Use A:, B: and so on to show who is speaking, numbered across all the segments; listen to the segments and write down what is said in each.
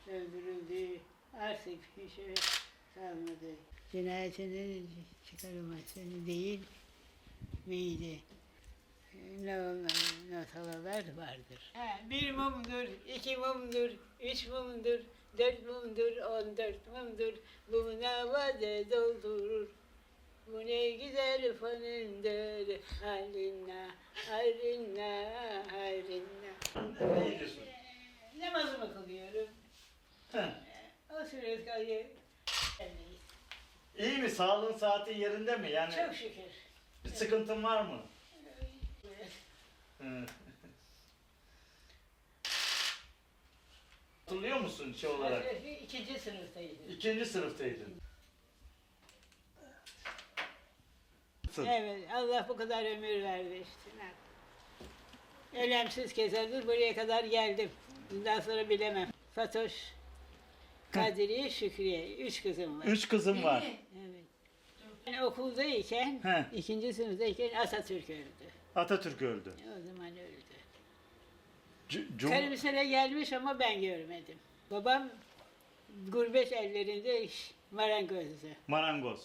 A: öldürüldü. Artık bir şey kalmadı. Cinayetinin çıkarılması değil miydi? Notalar vardır. Bir mumdur, iki mumdur, üç mumdur, dört mumdur, 14 mumdur. Bu navade doldurur. Bu ne güzel fanındır. Harinna, harinna, harinna.
B: Ne diyorsun?
A: Namazımı kılıyorum. O sürede kayı.
B: İyi mi? Sağlığın saati yerinde mi? Yani
A: Çok şükür.
B: bir sıkıntın var mı? Hı. Hatırlıyor musun şey olarak?
A: İkinci sınıftaydım.
B: İkinci sınıftaydın.
A: Evet, Allah bu kadar ömür verdi işte. Ölemsiz keserdir, buraya kadar geldim. Bundan sonra bilemem. Fatoş, Kadriye, Şükriye, 3 kızım var.
B: 3 kızım var.
A: Evet. Ben okuldayken,
B: He.
A: ikinci sınıftayken Atatürk öldü.
B: Atatürk öldü.
A: O zaman öldü.
B: Cum-
A: Karımsene gelmiş ama ben görmedim. Babam gurbet ellerinde marangozdu.
B: Marangoz.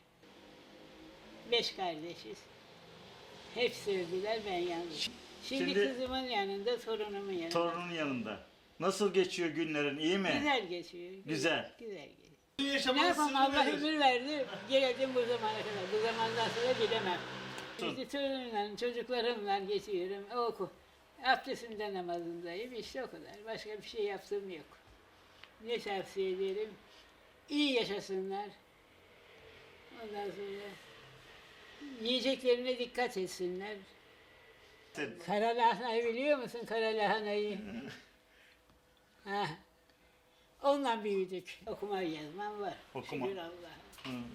A: 5 kardeşiz. Hepsi öldüler, ben yalnız. Şimdi
B: Şimdi-
A: kızımın yanında, torunumun yanında.
B: Torunun yanında. Nasıl geçiyor günlerin? İyi mi?
A: Güzel geçiyor.
B: Güzel.
A: Güzel geçiyor.
C: Yaşamanın
A: Ne yapalım,
C: sırrı
A: Allah
C: nedir?
A: ömür verdi, geldim bu zamana kadar. Bu zamandan sonra bilemem. İşte torunumla, çocuklarımla geçiyorum. Oku. Abdestimde namazındayım, işte o kadar. Başka bir şey yaptığım yok. Ne tavsiye ederim? İyi yaşasınlar. Ondan sonra yiyeceklerine dikkat etsinler. Kara lahanayı biliyor musun, kara lahanayı? Ha. Onunla büyüdük. Okuma yazmam var.
B: Okuma.
A: Şükür Allah'a.
B: Hı.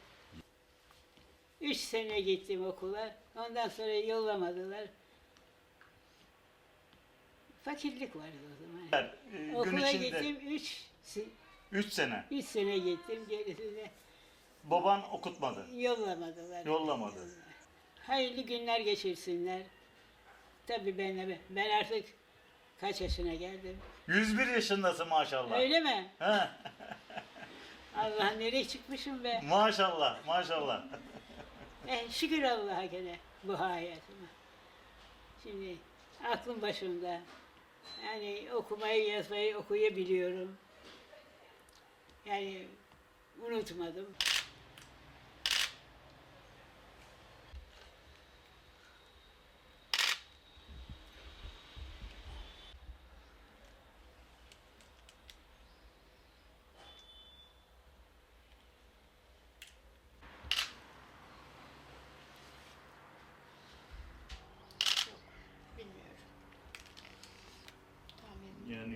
A: 3 sene gittim okula. Ondan sonra yollamadılar. Fakirlik vardı o zaman.
B: Gün
A: Okula
B: içinde
A: gittim
B: 3 sene.
A: 3 sene gittim. Gerisini
B: Baban okutmadı.
A: yollamadılar.
B: Yollamadı.
A: Hayırlı günler geçirsinler. Tabii ben artık kaç yaşına geldim.
B: 101 yaşındasın maşallah.
A: Öyle mi?
B: He.
A: Allah nereye çıkmışım be.
B: Maşallah, maşallah.
A: Şükür Allah'a gene bu hayatıma. Şimdi aklım başımda. Yani okumayı, yazmayı okuyabiliyorum. Yani unutmadım. Bilmiyorum. Tahmin
B: Yani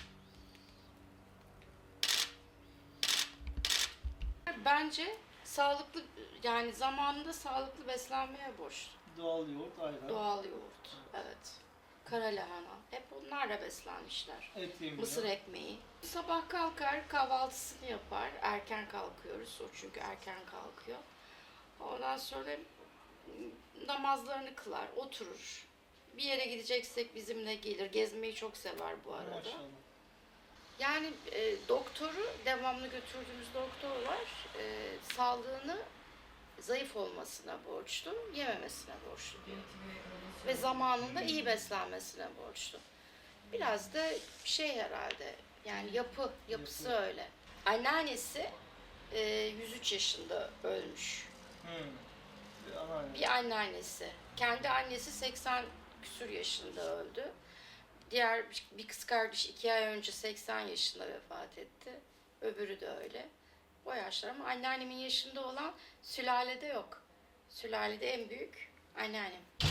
D: Bence sağlıklı, yani zamanında sağlıklı beslenmeye borçlu.
C: Doğal yoğurt, ayran,
D: Doğal yoğurt, evet. Kara lahana, hep onlarla beslenmişler.
C: et yemiyor.
D: Mısır ekmeği. Sabah kalkar, kahvaltısını yapar. Erken kalkıyoruz, o çünkü erken kalkıyor. Ondan sonra namazlarını kılar, oturur. Bir yere gideceksek bizimle gelir. Gezmeyi çok sever bu arada.
C: Maşallah.
D: Yani doktoru, devamlı götürdüğümüz doktor var. Sağlığını zayıf olmasına borçlu, yememesine borçlu diyor. Ve zamanında iyi beslenmesine borçlu. Biraz da şey herhalde, yani yapısı öyle. Anneannesi 103 yaşında ölmüş.
C: Bir anneanne.
D: Bir anneannesi. Kendi annesi 80 küsur yaşında öldü. Diğer bir kız kardeş 2 ay önce 80 yaşında vefat etti. Öbürü de öyle. O yaşlar ama anneannemin yaşında olan sülalede yok. Sülalede en büyük anneannem.